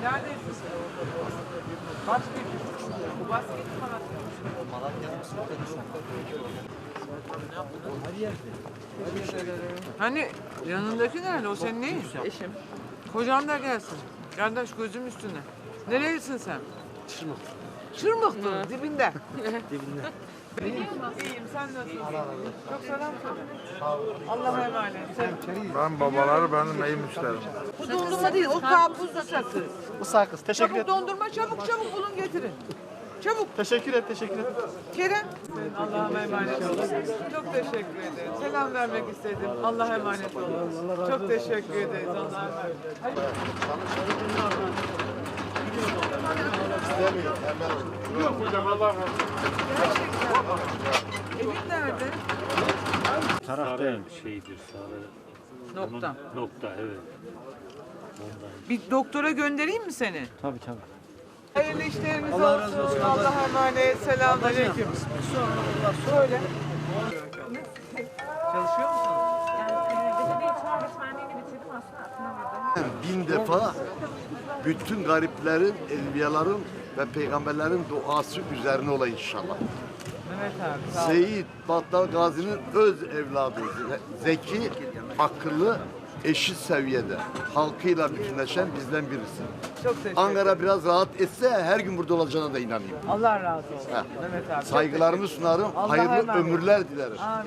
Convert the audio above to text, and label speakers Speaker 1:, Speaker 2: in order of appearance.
Speaker 1: Neredesin sen? Basket. Bu basket mi Malatya? Hani yanındaki nerede? O senin neyin? Eşim. Kocan da gelsin. Kardeş gözüm üstüne. Nerelisin sen?
Speaker 2: Çırmık.
Speaker 1: Çırmıklı, dibinde.
Speaker 2: Dibinde.
Speaker 1: İyiyim, sen nasılsın? Çok selam söyle. Allah'a emanet.
Speaker 3: Ben babaları benim iyi müşterim.
Speaker 1: Bu dondurma değil, o karpuzlu sakız.
Speaker 2: Bu sakız. Teşekkür
Speaker 1: Çabuk
Speaker 2: et.
Speaker 1: dondurma, çabuk bulun getirin. Çabuk.
Speaker 2: Teşekkür et. Teşekkür et.
Speaker 1: Kerem. Allah'a emanet olun. Çok teşekkür ederim. Selam vermek istedim. Allah'a emanet olun. Çok teşekkür ederiz. Allah'a emanet.
Speaker 3: Yok hocam Allah razı olsun.
Speaker 1: Evin nerede?
Speaker 4: Sarı şeydir, sarı.
Speaker 1: Nokta.
Speaker 4: Nokta, evet. Ondan.
Speaker 1: Bir doktora göndereyim mi seni?
Speaker 2: Tabii tabii.
Speaker 1: Hayırlı işleriniz olsun. Allah'a emanet. Selamünaleyküm. Söyle. Çalışıyor musun?
Speaker 5: Belediye İçişler Öğretmenliğini bitirdim aslında atılamadım.
Speaker 6: Bin defa bütün gariplerin, enbiyaların ve peygamberlerin duası üzerine ola inşallah.
Speaker 1: Mehmet abi sağ ol.
Speaker 6: Seyit Battal Gazi'nin öz evladı, zeki, akıllı, eşit seviyede, halkıyla bütünleşen bizden birisi.
Speaker 1: Çok teşekkür ederim.
Speaker 6: Ankara biraz rahat etse her gün burada olacağına da inanıyorum.
Speaker 1: Allah razı olsun.
Speaker 6: Heh.
Speaker 1: Mehmet abi. çok
Speaker 6: Saygılarımı
Speaker 1: teşekkür
Speaker 6: sunarım,
Speaker 1: Allah'a
Speaker 6: hayırlı
Speaker 1: emanet.
Speaker 6: ömürler dilerim.
Speaker 1: Amin.